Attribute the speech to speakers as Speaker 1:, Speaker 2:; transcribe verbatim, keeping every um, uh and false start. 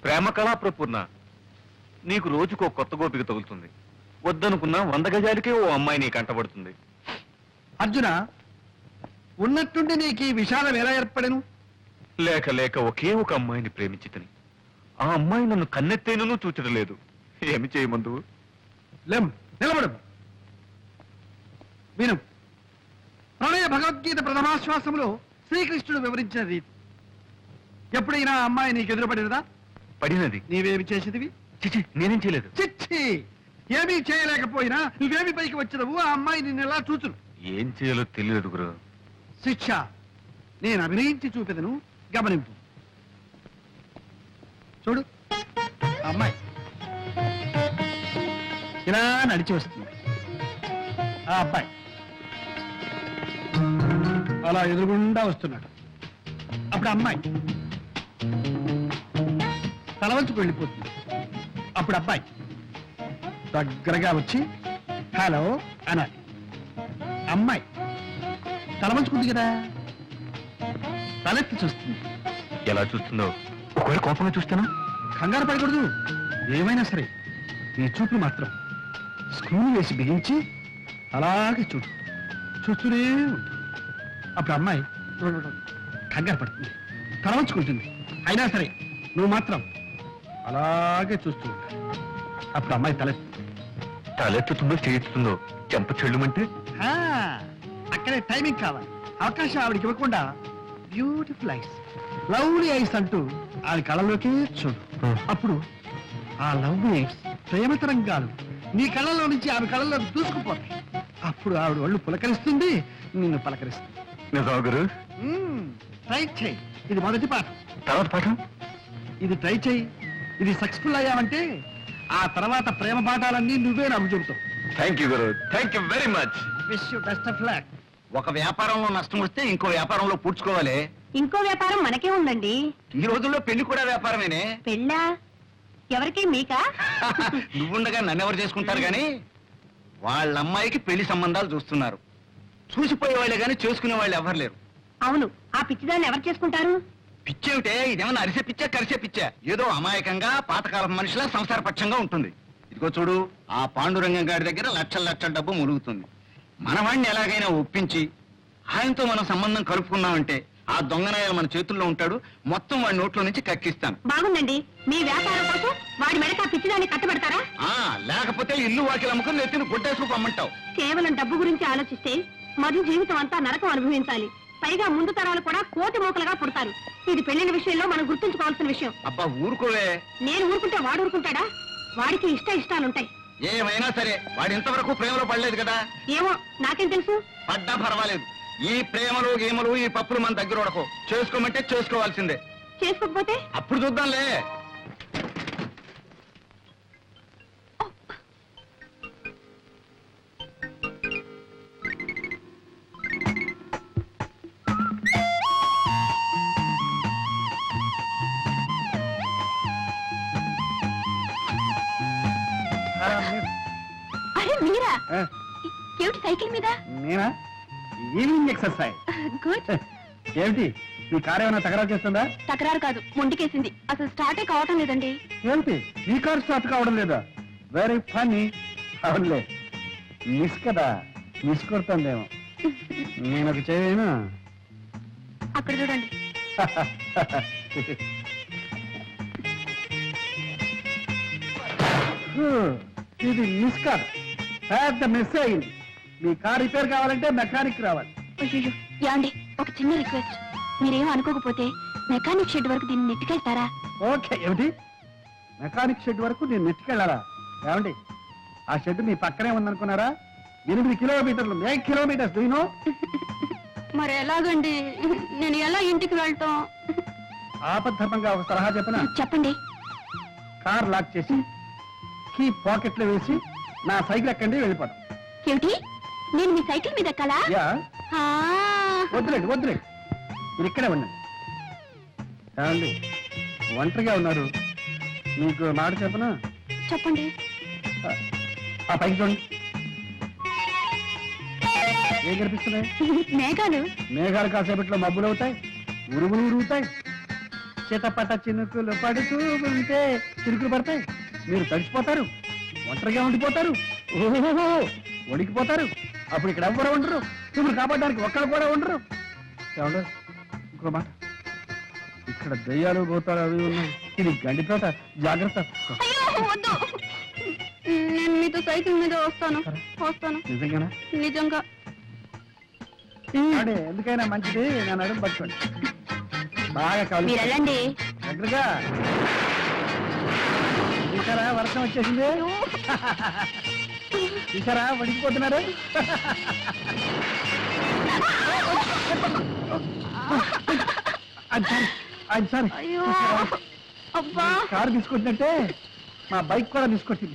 Speaker 1: ప్రేమ కళా ప్రపూర్ణ, నీకు రోజుకో కొత్త గోపిక తగులుతుంది. వద్దనుకున్నా వంద గజాలకే ఓ అమ్మాయి నీ కంటబడుతుంది.
Speaker 2: అర్జున, ఉన్నట్టుండి నీకు ఈ విషాదం ఎలా ఏర్పడను?
Speaker 1: లేక లేక ఒకే ఒక అమ్మాయిని ప్రేమించితని ఆ అమ్మాయి నన్ను కన్నెత్తేనూ చూచడం లేదు. ఏమి చేయమందు?
Speaker 2: లేం, నిలబడు. విను. ప్రణయ భగవద్గీత ప్రథమాశ్వాసంలో శ్రీకృష్ణుడు వివరించిన రీతి. ఎప్పుడైనా ఆ అమ్మాయి నీకు ఎదురుపడినదా?
Speaker 1: పడినది.
Speaker 2: నీవేమి చేసేదివి?
Speaker 1: చిచి, నేనేం చేయలేదు.
Speaker 2: చిచ్చి, ఏమీ చేయలేకపోయినా నువ్వేమి పైకి వచ్చినవు? ఆ అమ్మాయి నిన్ను ఎలా చూచును?
Speaker 1: ఏం చేయాలో తెలియదు గురు.
Speaker 2: శిక్ష నేను అభినయించి చూపెదను, గమనింపు. చూడు, ఆ అమ్మాయి ఇలా నడిచి వస్తుంది. ఆ అబ్బాయి అలా ఎదురుగుండా వస్తున్నాడు. అప్పుడు అమ్మాయి తలవంచుకు వెళ్ళిపోతుంది. అప్పుడు అబ్బాయి దగ్గరగా వచ్చి హలో అనాలి. అమ్మాయి తలవంచుకుంది కదా, తలెత్తి చూస్తుంది.
Speaker 1: ఎలా చూస్తుందో? ఒకవేళ కోపంగా చూస్తానా?
Speaker 2: కంగారు పడకూడదు. ఏమైనా సరే నీ చూపులు మాత్రం స్క్రూలు వేసి బిగించి అలాగే చూడు, చూస్తూనే ఉండు. అప్పుడు అమ్మాయి కంగారు పడుతుంది, తలవంచుకుంటుంది. అయినా సరే నువ్వు మాత్రం అలాగే చూస్తూ ఉండాలి. అప్పుడు అమ్మాయి తలెత్తి
Speaker 1: తలెత్తుతుందో చేస్తుందో చెంప చెల్లుమంటే
Speaker 2: అక్కడే టైమింగ్ కావాలి. అవకాశం ఆవిడికి ఇవ్వకుండా బ్యూటిఫుల్ ఐస్, లవ్లీ ఐస్ అంటూ ఆవిడ కళ్ళలోకి చూడు. అప్పుడు ఆ లవ్లీ ఐస్ ప్రేమ తరంగాలు నీ కళ్ళలో నుంచి ఆమె కళ్ళలో దూసుకుపోతాయి. అప్పుడు ఆవిడ ఒళ్ళు పులకరిస్తుంది, నిన్ను పలకరిస్తుంది.
Speaker 1: గురు,
Speaker 2: ట్రై చేయి. ఇది మొదటి పాఠం.
Speaker 1: తర్వాత పాఠం
Speaker 2: ఇది ట్రై చేయి. ఇది సక్సెస్ఫుల్ అయ్యావంటే ఆ తర్వాత ప్రేమ పాఠాలన్నీ నువ్వే నాకు చెబుతావు.
Speaker 1: Thank you guru, thank you very much.
Speaker 2: Wish you best of luck.
Speaker 3: ఒక వ్యాపారంలో నష్టం వస్తే ఇంకో వ్యాపారంలో పూడ్చుకోవాలి.
Speaker 4: ఇంకో వ్యాపారం మనకే ఉందండి.
Speaker 3: ఈ రోజుల్లో పెళ్లి కూడా వ్యాపారమేనే.
Speaker 4: పెళ్ళా? ఎవరికి? మీకా?
Speaker 3: నువ్వుండగా నన్నెవరు చేసుకుంటారు గాని వాళ్ళ అమ్మాయికి పెళ్లి సంబంధాలు చూస్తున్నారు. చూసిపోయే వాళ్ళే గాని చేసుకునే వాళ్ళు ఎవరు లేరు.
Speaker 4: అవును, ఆ పిచ్చిదాన్ని ఎవరు చేసుకుంటారు?
Speaker 3: పిచ్చేమిటే, ఇదేమన్నా అరిసే పిచ్చా కరిసే పిచ్చా? ఏదో అమాయకంగా పాతకాలం మనిషిలా సంసార పక్షంగా ఉంటుంది. ఇదిగో చూడు, ఆ పాండురంగం గారి దగ్గర లక్షల లక్షల డబ్బు ములుగుతుంది. మనవాణ్ణి ఎలాగైనా ఒప్పించి ఆయనతో మనం సంబంధం కలుపుకున్నామంటే ఆ దొంగనాయాలు మన చేతుల్లో ఉంటాడు. మొత్తం వాడి నోట్లో నుంచి కక్కిస్తాను.
Speaker 4: బాగుందండి. మీ వ్యాపారం కోసం వాడి మెడక పిచ్చిదాన్ని కట్టబెడతారా?
Speaker 3: ఆ లేకపోతే ఇల్లు వాకిలు అమ్ముకుని నెత్తిని గుడ్డేసుకు పమ్మంటావు.
Speaker 4: కేవలం డబ్బు గురించి ఆలోచిస్తే మధు జీవితం అంతా నరకం అనుభవించాలి. పైగా ముందు తరాలు కూడా కోటి మూకలుగా పుడతారు. ఇది పెళ్లిన విషయంలో మనం గుర్తుంచుకోవాల్సిన విషయం.
Speaker 3: అబ్బా ఊరుకోవే.
Speaker 4: నేను ఊరుకుంటే వాడు ఊరుకుంటాడా? వాడికి ఇష్ట ఇష్టాలుంటాయి.
Speaker 3: ఏమైనా సరే వాడు ఇంతవరకు ప్రేమలో పడలేదు కదా.
Speaker 4: ఏమో, నాకేం తెలుసు.
Speaker 3: పడ్డా పర్వాలేదు. ఈ ప్రేమలు గేమలు ఈ పప్పులు మన దగ్గర ఉడకో. చేసుకోమంటే చేసుకోవాల్సిందే.
Speaker 4: చేసుకోకపోతే
Speaker 3: అప్పుడు చూద్దాంలే.
Speaker 4: అరే మీరా? ఏమిటి సైకిల్ మీద?
Speaker 2: నేనా? Evening exercise.
Speaker 4: గుడ్.
Speaker 2: ఏమిటి నీ కారు ఏమైనా తగరాలు చేస్తుందా?
Speaker 4: తకరారు కాదు, మొండికేసింది. అసలు స్టార్టే కావటం లేదండి.
Speaker 2: ఏమిటి నీ కారు స్టార్ట్ కావడం లేదా? Very funny. అవునులే, మిస్ కదా, మిస్ కొడుతుందేమో. నేను ఒక చేయను.
Speaker 4: అక్కడ చూడండి.
Speaker 2: ఇది మిస్ కాదు, పెద్ద మిస్ అయింది. మీ కార్ రిపేర్ కావాలంటే మెకానిక్ రావాలి.
Speaker 4: అయ్యో యాండి, ఒక చిన్న రిక్వెస్ట్. మీరేం అనుకోకపోతే మెకానిక్ షెడ్ వరకు దీన్ని నెట్టుకెళ్తారా?
Speaker 2: ఓకే. ఏమిటి మెకానిక్ షెడ్ వరకు నేను నెట్టుకెళ్ళాలా? ఏమండి, ఆ షెడ్ మీ పక్కనే ఉందనుకున్నారా? ఎనిమిది కిలోమీటర్లు, ఎయిట్ కిలోమీటర్స్. దూనో
Speaker 4: మరి ఎలాగండి? నేను ఎలా ఇంటికి వెళ్తాం?
Speaker 2: ఆపద్ధర్మంగా ఒక సలహా చెప్పనా?
Speaker 4: చెప్పండి.
Speaker 2: కార్ లాక్ చేసి కీ పాకెట్ లో వేసి నా సైకిల్ ఎక్కండి, వెళ్ళిపోతాం.
Speaker 4: ఏమిటి, నేను మీ సైకిల్ మీద ఎక్కాలా?
Speaker 2: యా.
Speaker 4: ఆ.
Speaker 2: వద్దులేండి వద్దులేండి, మీరు ఇక్కడే ఉండండి. ఏమండి, ఒంటరిగా ఉన్నారు, మీకు మాట చెప్పనా?
Speaker 4: చెప్పండి.
Speaker 2: ఆ పైకి చూడండి, ఏం కనిపిస్తున్నాయి?
Speaker 4: మేఘాలు.
Speaker 2: మేఘాలు కాసేపట్లో మబ్బులు అవుతాయి, ఉరుగులు ఉరుగుతాయి. చిటపట చినుకులు పడుతూ ఉంటే చినుకులు పడతాయి, మీరు తడిసిపోతారు, ఒంటరిగా ఉండిపోతారు, ఓహో వణికిపోతారు. అప్పుడు ఇక్కడ ఎవ్వరు ఉండరు, మిమ్మల్ని కాపాడడానికి ఒక్కరు కూడా ఉండరు. ఏమంటారు? ఇంకో మాట, ఇక్కడ దయ్యాలు భూతాలు అవి ఉన్నాయి, ఇది గండితోట, జాగ్రత్త.
Speaker 4: అయ్యో వద్దు, నేను మీతో సైకిల్ మీద వస్తాను వస్తాను
Speaker 2: నిజంగానా?
Speaker 4: నిజంగా.
Speaker 2: అంటే ఎందుకైనా మంచిది నేను అడుగు పట్టుకోండి, బాగా కావాలి
Speaker 4: మీరు వెళ్ళండి.
Speaker 2: దగ్గరగా. చూసారా వర్షం వచ్చేసింది, చూసారా వడికిపోతున్నారు. అది సారీ, అది సారీ.
Speaker 4: అయ్యో అబ్బా,
Speaker 2: కారు తీసుకొచ్చినట్టే మా బైక్ కూడా తీసుకొచ్చింది.